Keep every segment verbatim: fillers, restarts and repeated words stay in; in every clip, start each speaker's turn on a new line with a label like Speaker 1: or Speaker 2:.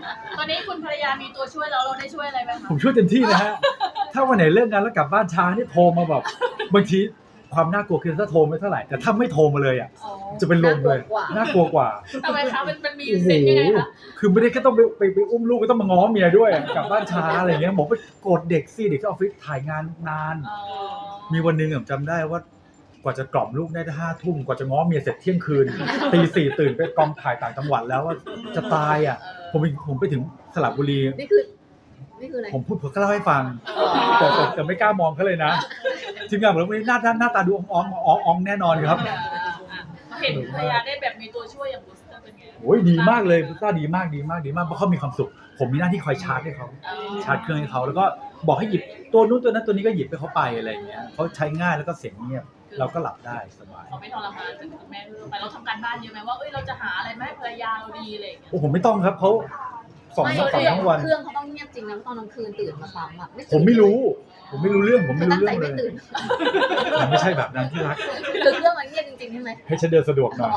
Speaker 1: ตอนนี้คุณภรรยามีตัวช่วยแล้วเราได้ช่วยอะไรไหมคะ
Speaker 2: ผมช่วยเต็มที่นะฮะถ้าวันไหนเลิกงานแล้วกลับบ้านช้านี่โทรมาแบบบางทีความน่ากลัวคือถ้าโทรไม่เท่าไหร่แต่ถ้าไม่โทรมาเลยอ่ะจะเป็นลมเลยน่ากลัวกว่า
Speaker 1: ทำไมคะมันมันมี
Speaker 2: โอ้โห
Speaker 1: เซนยังไงคะ
Speaker 2: คือไม่ได้แค่ต้องไปไปไปอุ้มลูกก็ต้องมาง้อเมียด้วยกลับบ้านช้าอะไรอย่างเงี้ยบอกไปโกรธเด็กสิเด็กที่ออฟฟิศถ่ายงานนานมีวันนึงผมจำได้ว่ากว่าจะกล่อมลูกได้ห้าทุ่มกว่าจะง้อเมียเสร็จเที่ยงคืนตีสี่ตื่นไปกองถ่ายต่างจังหวัดแล้วว่าจะตายอ่ะผมผมไปถึงสระบุรี
Speaker 3: นี่คือนี่คืออะไร
Speaker 2: ผมพูดผมก็เล่าให้ฟังแต่แต่แต่ไม่กล้ามองเขาเลยนะทีมงานบอกว่าหน้าหน้าตาดูอ่องอ่องอ่องแน่นอนครับ
Speaker 1: เห็นภรรยาได้แบบมีตัวช่วยอย่างบูสเตอร์เป็นไง
Speaker 2: โอ้ยดีมากเลยบูสเตอร์ดีมากดีมากดีมากเพราะเขามีความสุขผมมีหน้าที่คอยชาร์จให้เขาชาร์จเครื่องให้เขาแล้วก็บอกให้หยิบตัวนู้นตัวนั้นตัวนี้ก็หยิบให้เขาไปอะไรอย่างเงี้ยเขาใช้ง่ายแล้วก็เสียงเงียบเราก็หลับได้สบาย
Speaker 1: เขาไม่ทรมานจากคุณแม่เรื่องไปเราทำการบ้านเยอะไหมว่าเอ้ยเราจะหาอะไรมาให้ภรรยาเราดีอะไรอย่างเงี้ย
Speaker 2: โอ้ผมไม่ต้องครับเขาสองทั้งทั้งวัน
Speaker 3: เครื่องเขาต้องเงียบจริงนะตอนกลางคืนตื่นมาซ้ำอ่ะ
Speaker 2: ผมไม่รู้ผมไม่รู้เรื่องผมไม่รู้เรื่องเลยมันไม่ใช่แบบนั้นที่รัก
Speaker 3: คือเครื่องมันเงียบจริงๆใช่ไหม
Speaker 2: ให้ฉันเดินสะดวกหน่อย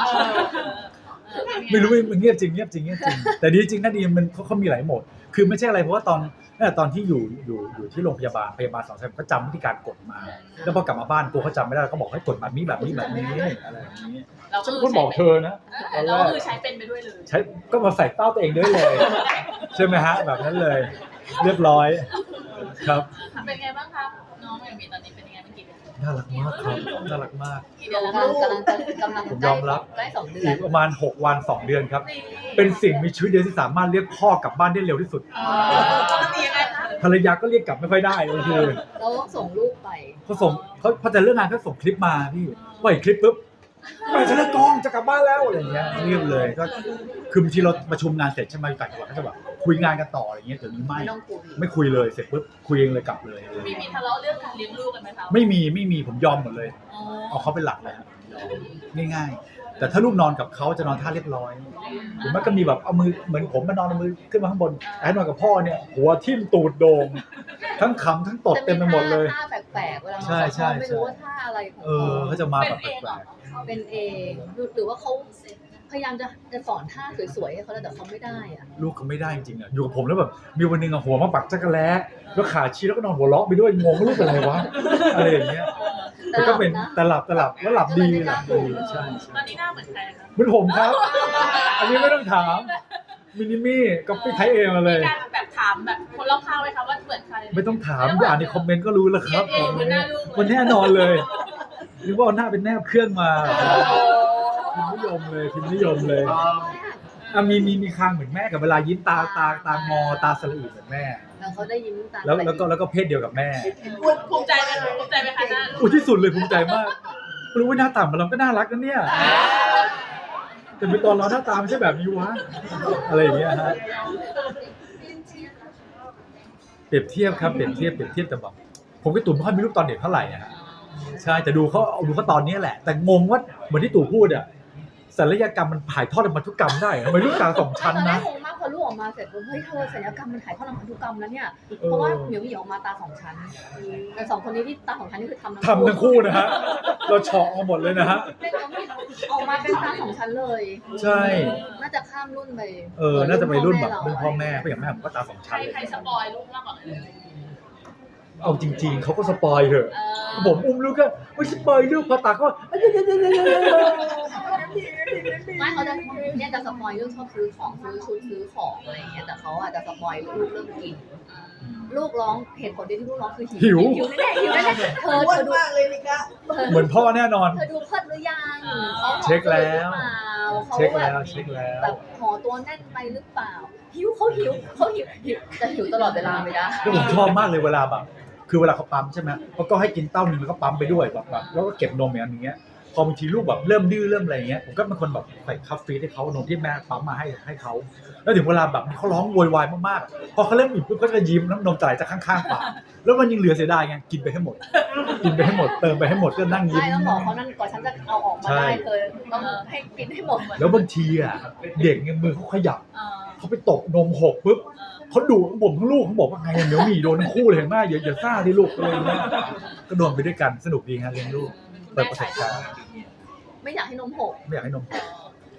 Speaker 2: ไม่รู้มันเงียบจริงเงียบจริงเงียบจริงแต่ดีจริงนะดีมันเขาเขามีหลายโหมดคือไม่ใช่อะไรเพราะว่าตอนตอนที่อยู่อยู่อยู่ที่โรงพยาบาลพยาบาลสองสามก็จำวิธีการกดมาแล้วพอกลับมาบ้านกูเขาจำไม่ได้ก็บอกให้กดแบบนี้แบบนี้แบบนี้อะไรอย่างนี้ฉันคนบอกเธอนะ
Speaker 1: เราคือใช้เป็นไปด้วยเลย
Speaker 2: ใช้ก็มาใส่เต้าตัวเองด้วยเลยใช่ไหมฮะแบบนั้นเลยเรียบร้อยครับ
Speaker 1: เป็นไงบ้างครับน้องอย่างมีตอนนี้เป็นยังไงเมื่อกี้
Speaker 2: น่ารักมากครับน่ารักมาก
Speaker 3: กำลังกำลังกำลัง
Speaker 2: ผมยอมรับ
Speaker 3: ได้สองเดือน
Speaker 2: อีกประมาณหกวันสองเดือนครับเป็นสิ่งมีชีวิตเดียวที่สามารถเรียกพ่อกลับบ้านได้เร็วที่สุดภรรยาก็เรียกกลับไม่ค่อยได้ก็คือ
Speaker 3: เราส่งลูกไป
Speaker 2: เขาส่งเขาพอจะเลิกงานเขาส่งคลิปมาพี่ปล่อยคลิปปุ๊บไปฉันเลิกกองจะกลับบ้านแล้วอะไรอย่างเงี้ยเรียบเลยก็คือบางทีเราประชุมงานเสร็จใช่ไหมต่างจังหวัดก็จะแบบคุยงานกันต่ออะไรเงี้ยแต่นี้ไม่ไม่คุยเลยเสร็จปุ๊บคุยเองเลยกลับเลย
Speaker 1: มีมีทะเลาะเรื่องการเลี้ยงลูกกันไหมคะ
Speaker 2: ไม่มีไม่มีผมยอมหมดเลยเอาเขาเป็นหลักเลยง่ายๆแต่ถ้าลูกนอนกับเขาจะนอนท่าเรียบร้อยผมมันก็มีแบบเอามือเหมือนผมมานอนเอามือขึ้นมาข้างบนไอ้นอนกับพ่อเนี่ยหัวทิ่มตูดโด่งทั้งขำทั้งตดเต็มไปหมดเลย
Speaker 3: ท่าแปลกๆเวลาใช่ใช่ไม่รู้ว่าท่าอะไรของ
Speaker 2: เออเขาจะมาแบบแปลก
Speaker 3: ๆเป็นเองหรือว่าเขาพยายามจะจะสอนท่าสวยๆให้เขาแต่เขาไม่ได้อะ
Speaker 2: ลูกเขาไม่ได้จริงๆอ่ะอยู่กับผมแล้วแบบมีวันนึงอ่ะหัวมาปักจักรแล้แล้วขาชี้แล้วก็นอนหัวเราะไปด้วยงงว่าลูกเป็นอะไรวะอะไรอย่างเงี้ยแล้วก็เป็นตลับตลับแล้วหลับดีหลับดีใช่
Speaker 1: ตอนนี้หน้าเหมือนใครคะ
Speaker 2: เหมือนผมครับอันนี้ไม่ต้องถามมินิมี่กับพี่ไทยเองมาเลย
Speaker 1: มีการแบบถามแบบคนรอบข้างไหมคะว่าเหมือนใคร
Speaker 2: ไม่ต้องถามอ่านในคอมเมนต์ก็รู้แล้วครับมันแน่นอนเลยหรือว่าหน้าเป็นแนบเครื่องมาพิมพ์นิยมเลยพิมพ์นิยมเลยอ่ะมีมีมีคางเหมือนแม่กับเวลายิ้มตาตาตางอตาสละอิเหมือนแม่
Speaker 3: แล้วเขาได้ยิ้มตา
Speaker 2: แล้วแล้วก็แล้วก็เพศเดียวกับแม่
Speaker 1: ภูมิใจไหมภูมิใจไหมคะหน้า
Speaker 2: อุ้ยที่สุดเลยภูมิใจมากรู้ว่าหน้าต่ำมันเราก็น่ารักนะเนี่ยแต่เป็นตอนเราหน้าตาไม่ใช่แบบนี้วะอะไรอย่างเงี้ยฮะเปรียบเทียบครับเปรียบเทียบเปรียบเทียบแต่แบบผมกับตู่ไม่ค่อยมีลูกตอนเด็กเท่าไหร่อ่ะใช่แต่ดูเขาเอาดูเขาตอนนี้แหละแต่งงว่าเหมือนที่ตู่พูดอ่ะศัลยกรรมมันถ่ายทอดพันธุกรรมได้ทำไมลูกตาสองชั้นนะ
Speaker 3: งงมากพอลูกออกมาเสร็จเฮ้ยเธอศัลยกรรมมันถ่ายทอดพันธุกรรมแล้วเนี่ยเพราะว่าเหมียวเหมียวออกมาตาสองชั้นแต่สองคนนี้ที่ตาสองชั้นนี่คือทำ
Speaker 2: ทำทั้งคู่นะฮะเราเฉาะเอาหมดเลยนะฮะ
Speaker 3: ออกมาเป็นตาสองชั้นเลย
Speaker 2: ใช่
Speaker 3: น่าจะข้ามรุ่นไป
Speaker 2: เออน่าจะไปรุ่นแบบรุ่นพ่อแม่เพราะอย่างแม่ผมก็ตาสองชั้น
Speaker 1: ใครสปอยลูกมากกว่าเลย
Speaker 2: เอาจริงๆเขาก็สปอยเถอะผมอุ้มลูกก็ไม่สปอยลูกพอตาก็
Speaker 3: ไม่เขาจะเนี่ยจะสปอยเรื่องชอบซื้อของซื้อชุดซื้อของอะไรอย่างเงี้ยแต่เขาอาจจะสปอยลูกเรื่องกินลูกร้องเหตุผลที่ลูกร้องคือหิวหิวแน่ๆหิวแน่ๆเธอเธอดู
Speaker 4: เลยนิกะ
Speaker 2: เหมือนพ่อแน่นอน
Speaker 3: เธอดูเพิดหรือยัง
Speaker 2: เช็คแล้วเช็คแล้วเช็คแล้ว
Speaker 3: แบบห่อตัวแน่นไปหรือเปล่าหิวเขาหิวเขาหิวหิวจะหิวตลอดเวลาไม่ได้
Speaker 2: แล้วผมชอบมากเลยเวลาแบบคือเวลาเขาปั๊มใช่ไหมเขาก็ให้กินเต้านึงแล้วก็ปั๊มไปด้วยแบบแบบแล้วก็เก็บนมอย่างเงี้ยพอบางทีลูกแบบเริ่มดื้อเริ่มอะไรเงี้ยผมก็เป็นคนแบบใส่คัฟฟีให้เขานมที่แม่ปั๊มมาให้ให้เขาแล้วถึงเวลาแบบเขาร้องโวยวายมากๆพอเขาเริ่มอิ่มปุ๊บก็จะยิ้มน้ำนมจะไหลจากข้างๆปากแล้วมันยังเหลือเสียดายไงกินไปให้หมดกินไปให้หมดเติมไปให้หมดก็นั่งยิ้ม
Speaker 3: ใช่ต้องบอกเขานั่นก่อนฉันจะเอาออกมาได้เธอต้องให้กินให้หมด
Speaker 2: แล้วบางทีอ่ะเด็กเนี่ยมือเขาขยับเขาไปตกนมหกปุ๊บเขาดุผมทั้งลูกเขาบอกว่าไงเดี๋ยวมีโดนทั้งคู่เลยเห็นไหมอย่าอย่าซ่าดิลูกอะไรเงี้ยก็โดนไปด้วยกันสนุกดีฮะเลี้ยงลูกเปิดประสบการณ์
Speaker 3: ไม่อยากให้นมหก
Speaker 2: ไม่อยากให้นมหก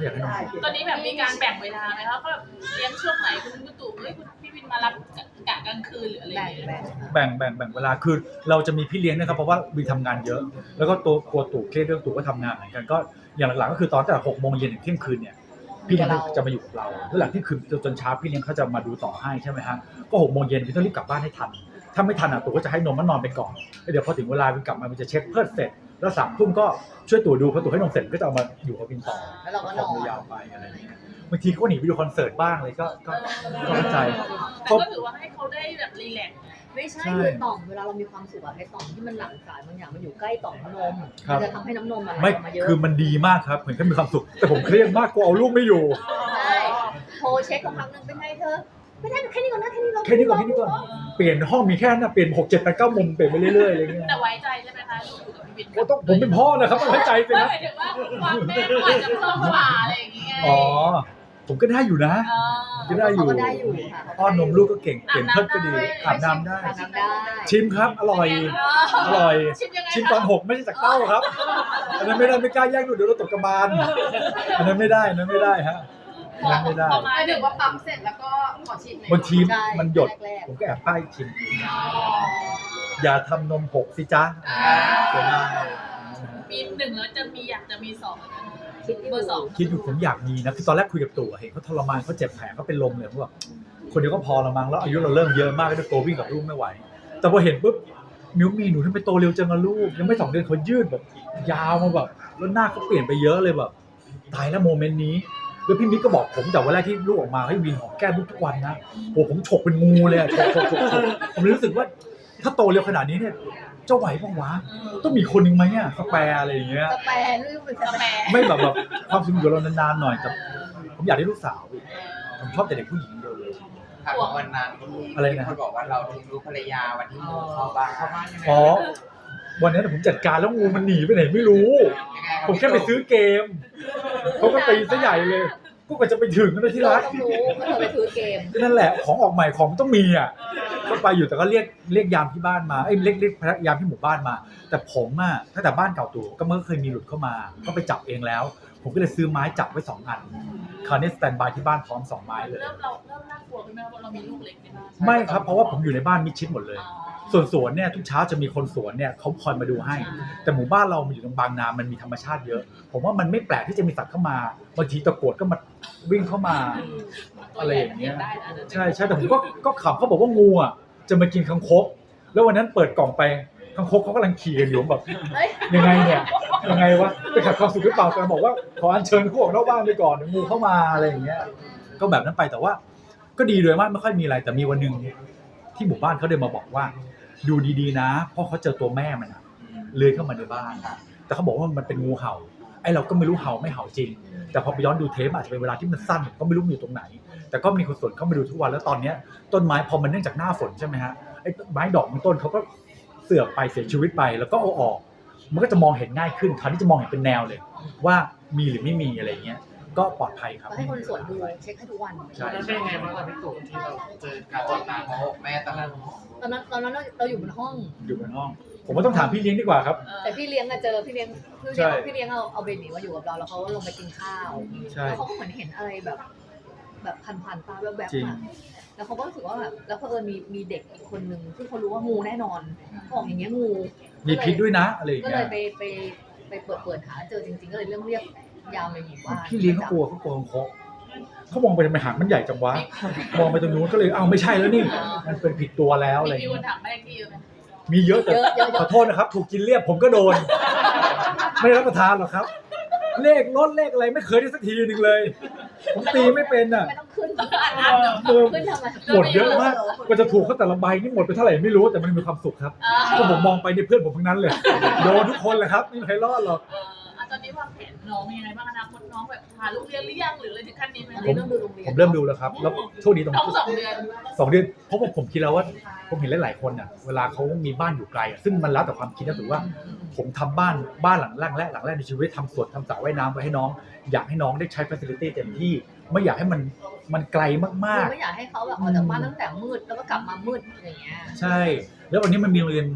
Speaker 2: ไม่อยากให้นมผง
Speaker 1: ตอนนี้แบบมีการแบ่งเวลาไหมคะก็แบบเลี้ยงช่วงไหนคุณกุตู่เฮ้ยคุณพี่วินมารับกะกลางคืนหรืออะไรอ
Speaker 3: แบ่
Speaker 1: ย่าง งเงี้ย
Speaker 3: แบ่ง
Speaker 2: แบ่งแบ่งแบ่งเวลาคือเราจะมีพี่เลี้ยงนะครับเพราะว่าวีทำงานเยอะแล้วก็ตัวตัวตู่เครียดเรื่องตู่ก็ทำงานเหมือนกันก็อย่างหลักๆก็คือตอนแต่หกโมงเย็นถึงเที่ยงคืนเนี่ยพี่เลี้ยงจะมาอยู่กับเราแล้วหลังที่คืนจนเช้าพี่เลี้ยงเขาจะมาดูต่อให้ใช่ไหมฮะก็หกโมงเย็นพี่ต้องรีบกลับบ้านให้ทันถ้าไม่ทันอ่ะตู่ก็จะให้นมมันนอนไปก่อนแล้วเดี๋ยวพอถึงเวลาวินกลับมาวินจะเช็คเพิ่มเสร็จแล้วสามทุ่มก็ช่วยตู่ดูพอตู่ให้นมเสร็จก็จะเอามาอยู่กับวินต่อ
Speaker 3: แล้วเราก็นอน
Speaker 2: ยาวไปอะไรอย่างเงี้ยบางทีก็หนีไปดูคอนเสิร์ตบ้างเลยก็ก็ก็เข้าใจ
Speaker 1: แต่ก็ถือว่าให้เขาได้แบบรีแลกซ์
Speaker 3: ไม่ใช่
Speaker 2: ใช่
Speaker 3: คือต่อมเวลาเรามีความสุขอะไอ้ต่อมที่มันหลั่งสารบางอย่างมันอยู่ใกล้ต่อมนม
Speaker 2: ครับ
Speaker 3: มันจะทำให้น้ำนมมันไหล
Speaker 2: ไม่
Speaker 3: ออกมาเยอะ
Speaker 2: คือมันดีมากครับเหมือนเขามีความสุขแต่ผมเครียดมากกลัวเอาลูกไม่อยู่
Speaker 3: ใช่โทรเช็คกับครั้งหนึงเป็นไงเธอไม่ได้แค่นี้ก่อนนะแค่นี้ก่อน
Speaker 2: แค่นี้ก่อนแค่นี้ก่อนเปลี่ยนห้องมีแค่นั้นนะเปลี่ยนหกเจ็ดแปดเก้ามุมเปลี่ยนไปเรื่อยๆอะไรเงี้ย
Speaker 1: แต่ไว้ใจใช่ไหมคะอยู่กับพี่วิน
Speaker 2: ก็ต้องผมเป็นพ่อนะครับต้องไว้ใจไป
Speaker 1: ไม่
Speaker 2: นะ
Speaker 1: หมายถึงว่าความแม่ก็อาจจะเพิ่มกว่าอะไรอย่างเงี้ย
Speaker 2: อ๋อผมก็ได้อยู่นะ
Speaker 1: เออ
Speaker 2: ก็ได้อยู่
Speaker 3: เขาก็ได้อยู่ค่ะ
Speaker 2: ป้อนนมลูกก็เก่งเปลี่ยนเพิ่มก็ดีอาบน้ำได้
Speaker 3: อาบน้ำได้
Speaker 2: ชิมครับอร่อยอร่อย
Speaker 1: ชิมยังไง
Speaker 2: ชิมตอนหกไม่ใช่จากเต้าครับอันนั้นไม่ได้ไม่กล้าแย่งดูเดี๋ยวเราตกกระบาลอันนั้นไม่ได้อันนั้นไม่ได้ฮะอันนั้นไม่ได้
Speaker 1: พอมา
Speaker 4: หมาย
Speaker 1: ถึ
Speaker 4: ถึ
Speaker 1: ง
Speaker 4: งว่าปั๊มเสร็จแล้วก็ขอชิมหน่อย
Speaker 2: บางที
Speaker 3: ใช่
Speaker 2: มันหยด
Speaker 3: แรกๆ
Speaker 2: ผมก็แอบป้ายชิมอย่าทำนมหกสิจ๊ะเสียดาย
Speaker 1: มีหนึ่งแล้วจะมีอยากจะมีสองนะ
Speaker 3: คิดอยู่
Speaker 1: เบอร์สอง
Speaker 2: คิดอยู่ผมอยากมีนะคือตอนแรกคุยกับตู่เห็นเขาทรมานเขาเจ็บแผลเขาเป็นลมเลยผมแบบคนเดียวก็พอละมั้งแล้วอายุเราเริ่มเยอะมากก็จะโตวิ่งกับลูกไม่ไหว แต่พอเห็นปุ๊บมิวมีหนูทำไมโตเร็วจังอะลูกยังไม่สองเดือนเขายืดแบบยาวมาแบบแล้วหน้าเขาเปลี่ยนไปเยอะเลยแบบตายแล้วโมเมนต์นี้แล้วพี่มิกก็บอกผมแต่วันแรกที่ลูกออกมาให้วินหอมแก้มลูกทุกวันนะโอ้ผมฉกเป็นงูเลยอะฉกฉกฉกฉกผมเลยรู้สึกว่าถ้าโตเร็วขนาดนี้เนี่ยจะไหวปะวะต้องมีคนหนึ่งไหมเนี่ยสแปร์อะไรอย่างเงี้ย
Speaker 3: สแปรลูกเป็นสแปร
Speaker 2: ไม่แบบแบบความสุขอยู่กับเรานานๆหน่อยแต่ผมอยากได้ลูกสาวอีกผมชอบแต่เด็กผู้หญิงเดียวเลย
Speaker 5: ถามว่าวันนั้น
Speaker 2: อะไรนะ
Speaker 5: มีคนบอกว่าเราทิ้งลูกภรรยาวันที่งูเข้าบ้านเข้าบ้านยังไง
Speaker 2: อ๋อวันนั้นผมจัดการแล้วงูมันหนีไปไหนไม่รู้
Speaker 5: ยังไงรับ
Speaker 2: ผมแค่ไปซื้อเกมเขาก็ตีซะใหญ่เลยกูก็จะไปถึงนะที่
Speaker 3: เรา
Speaker 2: รัก
Speaker 3: ต้องรู้ว่าเธอไปซื้อเกม
Speaker 2: ก็นั่นแหละของออกใหม่ของต้องมีอ่ะก็ไปอยู่แต่ก็เรียกเรียกยามที่บ้านมาเอ้ยเรียกเรียกพนักยามที่หมู่บ้านมา แต่ผมอ่ะตั้งแต่บ้านเก่าตู่ก็ไม่เคยมีหลุดเข้ามา ก็ไปจับเองแล้ว ผมก็เลยซื้อไม้จับไว้สองอันคราวนี้สแตนบายที่บ้านพร้อมสองไม้เลย
Speaker 1: เริ่มเราเริ่มน่ากลัวขึ้นไหมว่าเรามีลูกเล็กในบ้าน
Speaker 2: ไม่ครับเพราะว่าผมอยู่ในบ้านมิดชิดหมดเลย
Speaker 1: อ๋อ
Speaker 2: ส่วนสวนเนี่ยทุกเช้าจะมีคนสวนเนี่ยเขาคอยมาดูให้ แต่หมู่บ้านเรามันอยู่ตรงบางนา มันมีธรรมชาติเยอะ ผมว่ามันไม่แปลกที่จะมีสัตว์เข้ามาบางทีตะกรวดก็มาวิ่งเข้ามา อะไรอย่างเงี้ย
Speaker 1: ได้นะ
Speaker 2: ใช่ใช่แต่ผมก็ก็ขำเขาบอกว่างูอ่ะจะมากินคังคกแล้ววันนั้นเปิดกล่องไปคังคกเขากำลังขี่กันอยู่ผมแบบ
Speaker 3: เฮ้ย
Speaker 2: ยังไงเนี่ยยังไงวะไปขัดความสุขหรือเปล่าแต่บอกว่าขออัญเชิญเขาออกนอกบ้านไปก่อนเดี๋ยวงูเข้ามาอะไรอย่างเงี้ย ก็แบบนั้นไปแต่ว่าก็ดีเลยมากไม่ค่อยมีอะไรแต่มีวันหนึ่งที่หมู่บ้านเขาเดินมาบอกว่า ดูดีๆนะเพราะเขาเจอตัวแม่มันอะเลื้อยเข้ามาในบ้าน แต่เขาบอกว่ามันเป็นงูเห่าไอ้เราก็ไม่รู้เห่าไม่เห่าจริง แต่พอไปย้อนดูเทปอาจจะเป็นเวลาที่มันสั้นก็ไม่รู้มันอยู่ตรงไหน แต่ก็มีคนสวนเข้ามาดูทุกวันแล้วตอนเนี้ยต้นไม้พอมันเนื่องจากหน้าฝนใช่ไหมฮะไอ้ไม้ดอกมันต้นเขาก็เสื่อมไปเสียชีวิตไปแล้วก็เอาออก มันก็จะมองเห็นง่ายขึ้นคราวนี้จะมองเห็นเป็นแนวเลย ว่ามีหรือไม่มีอะไรเงี้ยก็ปลอดภัยครับ
Speaker 3: ก็ให้คนสวนดูเช็คให้ทุกวัน
Speaker 2: ใช่
Speaker 5: ตอนนั้นเป็นยังไงบ้างตอนที่ตู่ที่เราเจอการจัดการของแม่ตอนนั้น
Speaker 3: ตอนนั้นตอนนั้นเราเราอยู่บนห้อง
Speaker 2: อยู่บนห้อง ผมก็ต้องถามพี่เลี้ยงดีกว่าครับ
Speaker 3: แต่พี่เลี้ยงอะเจอพี่เลี้ยงพี่
Speaker 2: ใช่
Speaker 3: เลี้ยงพี่เลี้ยงเอาเอาเบบีมาอยู่กับเราแล้วเขาลงไปกินข้าว
Speaker 2: ใช่
Speaker 3: แล้วเขาก็เหมือนเห็นอะไรแบบ แบบผ่านๆตาแวบ
Speaker 2: จริง
Speaker 3: ๆอะแล้วเขาก็รู้สึกว่าแบบแล้วเผอิญมีมีเด็กอีกคนนึงที่เขารู้ว่างูแน่นอนเขาบอกอย่างเงี้ยงู
Speaker 2: มีพิษด้วยนะอะไรอย่าง
Speaker 3: ก็
Speaker 2: เงี้
Speaker 3: เลย ยไปไปไปเปิดเปิดหาเจอจริงๆก็เลยเรื่องเรียกยาวในหมู่บ้าน
Speaker 2: พี่เลี้ยงเขากลัวเขากลัวคังคกเขามองไปทำไมหางมันใหญ่จังวะมองไปตรงนู้นก็เลยอ้าวไม่ใช่แล้วนี่มันเป็นผิดตัวแล้วอะไรอย่าง
Speaker 1: มี
Speaker 2: เงี้
Speaker 1: คน
Speaker 2: ย
Speaker 1: ถามแม่ที่เยอะไหม
Speaker 2: มีเยอะแต่
Speaker 3: เยอะเยอะเย
Speaker 2: ขอ
Speaker 3: อะ
Speaker 2: โทษนะครับ ถูกกินเรียบผมก็โดน ไม่ได้รับประทานหรอกครับ เลขลดเลขอะไรไม่เคยได้สักทีนึงเลย ผมตีไม่เป็นอ่ะ
Speaker 3: ไม่ต้องขึ้น
Speaker 1: อ่านอ่านเดี๋ยว
Speaker 2: เออ
Speaker 3: ขึ้นทำไม
Speaker 2: หมดเยอะมากกว่าจะถูกเขาแต่ละใบนี่หมดไปเท่าไหร่ไม่รู้แต่มันมีความสุขครับ
Speaker 1: อ่า
Speaker 2: ก็ผมมองไปในเพื่อนผมทั้งนั้นเลยโดนทุกคนเลยครับไม่มีใครรอดหรอก
Speaker 1: เอ่ออ่ะตอนนี้วางแผนน้องยังไงบ้างอนาคตน้องแบบพาลูกเรียนหรือยังหรืออะไรถึงขั้นนี้ไหม
Speaker 3: อันนี้เริ่มดูโรงเรียน
Speaker 2: ผมเริ่มดูแล้วครับแล้วโชคดีตรง
Speaker 1: น้องสองเดือน
Speaker 2: สองเดือนเพราะว่าผมคิดแล้วว่าผมเห็นหลายๆคนอ่ะเวลาเขามีบ้านอยู่ไกลอ่ะซึ่งมันแล้วแต่ความคิดนะถือว่า ผมทำบ้านบ้านหลังแรกและหลังแรกในชีวิตทำสวนทำสระว่ายน้ำไว้ให้น้อง อยากให้น้องได้ใช้ facility เต็มที่ไม่อยากให้มันมันไกลมาก
Speaker 3: ไม่อยากให้เขาแบบออกจากบ้านตั้งแต่มืดแล้วก็กลับมามืดอย่างเงี้ย
Speaker 2: ๆ ใช่ แล้ววันนี้มันมีโรงเรียนใหม่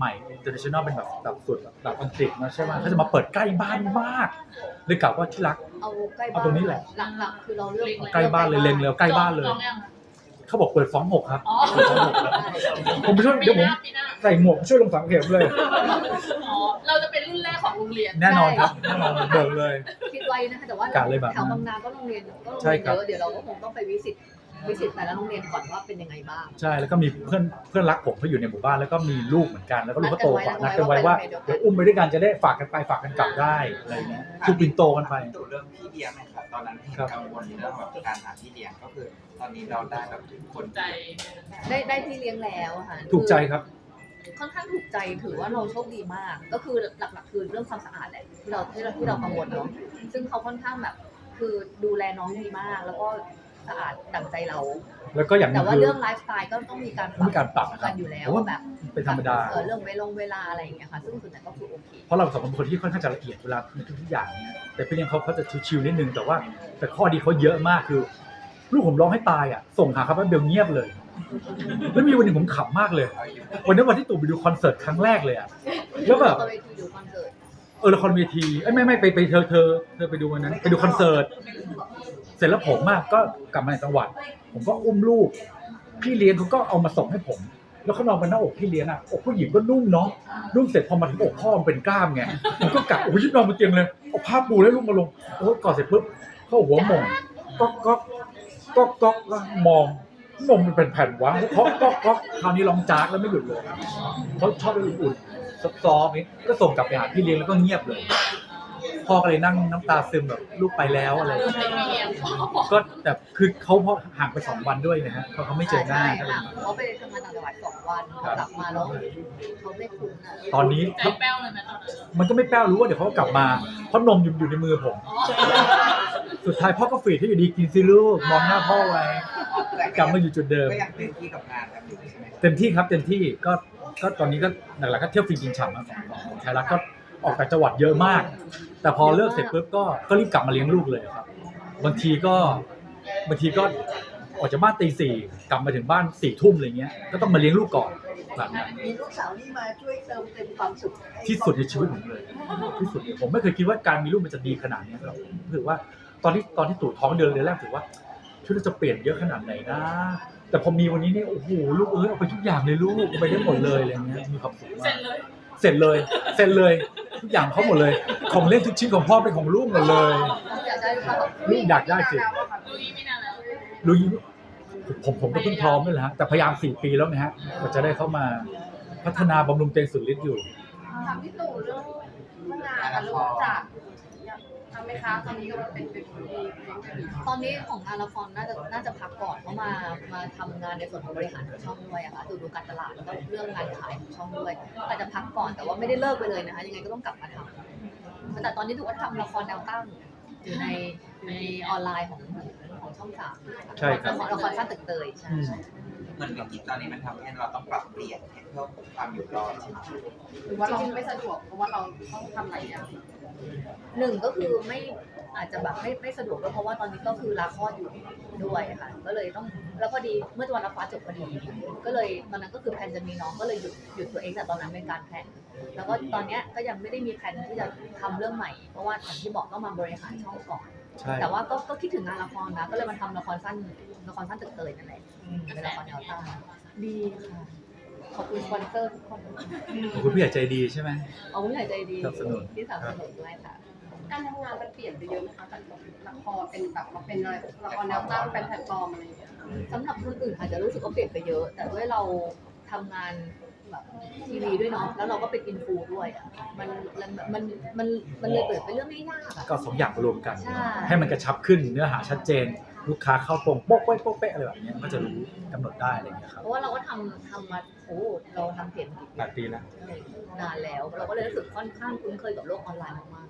Speaker 2: international เป็นแบบแบบสุดแบบอังกฤษนะใช่ไหมเขาจะมาเปิดใกล้บ้านมากเลยกล่าวว่าที่รัก
Speaker 3: เอาใกล้บ้าน
Speaker 2: เอาตรงนี้แหละ
Speaker 3: หลักๆคือเราเลือก
Speaker 2: ใกล้บ้านเลยเล็งเลยใกล้บ้านเลย
Speaker 1: จองยัง
Speaker 2: เขาบอกเปิดฟ้องหกครับ
Speaker 1: อ๋อ
Speaker 2: เปิดฟ้องหกแล้วผมไปช่วย
Speaker 1: ปี
Speaker 2: เดี๋ยว
Speaker 1: ห
Speaker 2: ผม
Speaker 1: น้าปีหน้า
Speaker 2: ใส่หมวกช่วยลงฝังเข็มเลย
Speaker 1: อ๋อเราจะเป็นรุ่นแรกของโรงเรียน
Speaker 2: แน่นอนครับแน่นอนเบิกเลย
Speaker 3: คิดไว้นะคะแต่ว่าก
Speaker 2: ะเลยแบบ
Speaker 3: แถวบางนาก็โรงเรียนก็โรง
Speaker 2: ใช่
Speaker 3: เรียน
Speaker 2: ครับ
Speaker 3: เยอะเดี๋ยวเราก็คงต้องไปวิสิตวิสิตแต่ละโรงเรียนก่อนว่าเป็นยังไงบ้าง
Speaker 2: ใช่แล้วก็มีเพื่อนเพื่อนรักผมเขาอยู่ในหมู่บ้านแล้วก็มีลูกเหมือนกันแล้วก็ลูกเขาโตกว่านัดกันไว้ว่าเดี๋ยวอุ้มไปด้วยกันจะได้ฝากกันไปฝากกันกลับได้อะไรเงี้ยคือปินโตกันไป
Speaker 5: ตู่เรื่องพี่เลี้ยงไหมครับตอนนั้นเห็นกังวลเรื่องแบบการหาพี่เลี้ยงก็คือ ตอนนี้เราได้แบบคน
Speaker 1: ใจ
Speaker 3: ได้ได้ที่เลี้ยงแล้วอะค่ะ
Speaker 2: ถูกใจครับ
Speaker 3: ค่อนข้างถูกใจถือว่าเราโชคดีมาก ก็คือหลักๆคือเรื่องความสะอาดแหละที่เราที่เราที่เรากังวลเนาะซึ่งเขาค่อนข้างแบบ คือดูแลน้องดีมาก แล้วก็สะอาดดั่งใจเรา
Speaker 2: แล้วก็อย่างหนึ
Speaker 3: แต่
Speaker 2: ง
Speaker 3: ว่า
Speaker 2: คือ
Speaker 3: เรื่องไลฟ์สไตล์ก็ต้องมีการ
Speaker 2: ต้องมีการปรับนะค
Speaker 3: กั
Speaker 2: รับ
Speaker 3: นอยู่แล้ว
Speaker 2: ผมว่า
Speaker 3: แบบ
Speaker 2: เป็นธรรมดา
Speaker 3: เออเรื่องเวลงเวลาอะไรอย่างเงี้ยค่ะซึ่งส่วนใหญ่ก็คือโอเค
Speaker 2: เพราะเราสองคนเป็นคนที่ค่อนข้างจะละเอียดเวลาในทุกๆอย่างเนี่ยแต่พี่เลี้ยงเขาเขาจะชิวๆนิดนึงแต่ว่าแต่ข้อดีเขาเยอะมากคือ ลูกผมร้องให้ตายอ่ะส่งหาครับว่าเบลเงียบเลย แล้วมีวันหนึงผมขำมากเลย วันนั้นวันที่ตู่ไปดูคอนเสิร์ตครั้งแรกเลยอ่ะแล้วแบบ
Speaker 3: ก็เวทีดูคอนเสิร์ต
Speaker 2: เออละครเวทีเอ้ยไม่ไม่ไปไปเธอเธอเธอไปดูวันนั้นไปดูคอนเสิร์ตเสร็จแล้วผมอ่ะก็กลับมาในจังหวัด ผมก็อุ้มลูก พี่เลี้ยงเขาก็เอามาส่งให้ผม แล้วเขานอนบนหน้าอกพี่เลี้ยงอ่ะอกผู้หญิงก็นุ่มเนาะนุ่มเสร็จพอมาถึงอกพ่อมันเป็นกล้ามไงผมก็กะโอ้ยนอนบนเตียงเลยเอาผ้าปูแล้วลูกมาลงโอ้ยกอดเสร็จปุ๊บเข้าหัวหม่งก๊อกก๊อกก๊อกก๊อกแล้วมองนมมันเป็นแผ่นวะก๊อกก๊อกก๊อกคราวนี้ร้องจากแล้วไม่หยุดเลยเขาชอบไปอุ่นๆซอฟๆนี่ก็ส่งกลับไปหาพี่เลี้ยงแล้วก็เงียบเลยพ่อก็เลยนั่งน้ำตาซึมแบบลูกไปแล้วอะไรอย่าง
Speaker 1: เป็น
Speaker 2: เงี้ย
Speaker 1: พี่เลี้ยง
Speaker 2: ก็แต่คือเขาพอห่างไปสองวันด้วยนะฮะเพราะเขาไม่เจอหน้า
Speaker 3: ใช่
Speaker 2: ก็เลย
Speaker 3: ค่ะเขาไปทำงานต่างจังหวัดสองวัน
Speaker 2: ครับ
Speaker 3: กลับมาแล้วเขาไม่คุ้นอะ
Speaker 2: ตอนนี้
Speaker 1: ใจแป้วเลยไหมตอนนั้น
Speaker 2: มันก็ไม่แป้วรู้ว่าเดี๋ยวเขาก็กลับมาเพราะนมอยู่อยู่ในมือผม
Speaker 1: อ๋อ
Speaker 2: สุดท้ายพ่อก็ฝีดให้อยู่ดีกินซิลูกมองหน้าพ่อไว้กลับมาอยู่จุดเดิม
Speaker 5: ก็ยังเต็มที่กับงานกันอยู่ใช่ไหม
Speaker 2: เต็มที่ครับเต็มที่ก็ก็ตอนนี้ก็หลักๆก็เที่ยวฟินกินฉ่ำนะของของไทยรัฐก็ออกจากจังหวัดเยอะมาก แต่พอเลิกเสร็จปุ๊บก็ก็รีบกลับมาเลี้ยงลูกเลยครับบางทีก็บางทีก็ออกจากบ้านตีสี่กลับมาถึงบ้านสี่ทุ่มอะไรเงี้ยก็ต้องมาเลี้ยงลูกก่อนแบบนั้น
Speaker 6: มีลูกสาวนี่มาช่วยเติมเต็มความสุขให้
Speaker 2: ที่สุดในชีวิตผมเลยที่สุดเลยผมไม่เคยคิดว่าการมีลูกมันจะดีขนาดนี้ครับผมรู้สึกว่าตอนที่ตอนที่ตู่ท้องเดือนเดือนแรกถือว่าชีวิตเราจะเปลี่ยนเยอะขนาดไหนนะแต่พอมีวันนี้เนี่ยโอ้โหลูกเอ้ยเอาไปทุกอย่างเลยลูกเอาไปได้หมดเลยอะไรเงี้ยมีความสุข
Speaker 1: เสร็
Speaker 2: มาก
Speaker 1: จเลย
Speaker 2: เสร็จเลยเสร็จเลยทุกอย่างเขาหมดเลย ของเล่นทุกชิ้นของพ่อเป็นของลูกหมดเลย
Speaker 3: อยากได้หรือเปล่า
Speaker 2: ลูกอยากได้สิ
Speaker 1: ดูนี้ไม่นานแล้ว
Speaker 2: ลูกผมผมก็เพิ่งพร้อมนี่แหละฮะแต่พยายามสี่ปีแล้วนะฮะก็จะได้เข้ามาพัฒนาบำรุงเตงสุดฤทธิ์อยู่
Speaker 4: ถามพี่ตู่เรื่องมะนาวกับลูกจากทำไหมคะตอนนี้ก็เป็นเป็นคนดีเลี้ยงกันอยู่
Speaker 3: ตอนนี้ของงานละครน่าจะน่าจะพักก่อนเพราะมามาทำงานในส่วนของบริหารของช่องด้วยอะค่ะดูดูการตลาดแล้วก็เรื่องงานขายของช่องด้วยอาจจะพักก่อนแต่ว่าไม่ได้เลิกไปเลยนะคะยังไงก็ต้องกลับมาทำแต่ตอนนี้ถือว่าทำละครแนวตั้งอยู่ในอยู่ในออนไลน์ของของช่องสาม
Speaker 2: ใช่ครับ
Speaker 3: ละครสั้นตึกเตยใช่
Speaker 2: อืม
Speaker 5: เหมือนกับกิจตอนนี้มันทำให้เราต้องปรับเปลี่ยนเพื่อความอยู่รอดใช่ไหม
Speaker 4: หรือว่าเราไม่สะดวกเพราะว่าเราต้องทำหลายอย่าง
Speaker 3: หนึ่งก็คือไม่อาจจะแบบไม่ไม่สะดวกด้วยเพราะว่าตอนนี้ก็คือลาคลอดอยู่ด้วยค่ะก็เลยต้องแล้วพอดีเมื่อวันรับฟ้าจบพอดี ก็เลยตอนนั้นก็คือแพลนจะมีน้องก็เลยหยุดหยุดตัวเองแต่ตอนนั้นเป็นการแพลนแล้วก็ตอนเนี้ยก็ยังไม่ได้มีแพลนที่จะทำเรื่องใหม่เพราะว่าอย่างที่บอกต้องมาบริหารช่องก่อน
Speaker 2: ใช่
Speaker 3: แต่ว่าก็ก็คิดถึงงานละครนะก็เลยมาทำละครสั้นละครสั้นตึกเตยนั่นแหละเป็นละครแนวตั้งดีค่ะขอบคุณสปอนเซอร์ทุกคน
Speaker 2: ขอบคุณพี่ใหญ่ใจดีใช่ไหม
Speaker 3: เอาผู้ใหญ่ใจดี
Speaker 2: สนับสนุน
Speaker 3: ที่สนับสนุนด้วยค่ะ
Speaker 4: การทำงานมันเปลี่ยนไปเยอะไหมคะจากละครเป็นแบบมาเป็นละครแนวตั้งเป็นแพลตฟอร์มอะไรอย่างเงี้ย
Speaker 3: สำหรับคนอื่นอาจจะรู้สึกว่าเปลี่ยนไปเยอะ แต่ด้วยเราทำงานแบบทีวีด้วยเนาะแล้วเราก็เป็นอินฟูด้วยอ่ะมันมันมันมันมันเลยเปิดเป็นเรื่องไม่ยากอ่ะ
Speaker 2: ก็สองอย่างมารวมกัน
Speaker 3: ใช่
Speaker 2: ให้มันกระชับขึ้นเนื้อหาชัดเจน ลูกค้าเข้าตรงโป๊ะเป๊ะโป๊ะเป๊ะอะไรแบบเนี้ยก็จะรู้กำหนดได้อะไรอย่างเงี้ยครับ
Speaker 3: เพราะว่าเราก็ทำทำมาโอ้เราทำเพจมากี่
Speaker 2: แปดปีแล้ว
Speaker 3: ปีนานแล้ว เราก็เลยรู้สึกค่อนข้างคุ้นเคยกับโลกออนไลน์มาก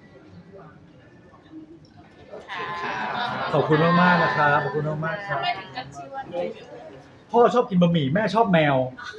Speaker 2: ขอบคุณมากๆนะครับขอบคุณมากๆครั
Speaker 1: ทำ
Speaker 2: บ
Speaker 1: ไมถึงกันชื่อว่า
Speaker 2: พ่อชอบกินบะหมี่แม่ชอบแมว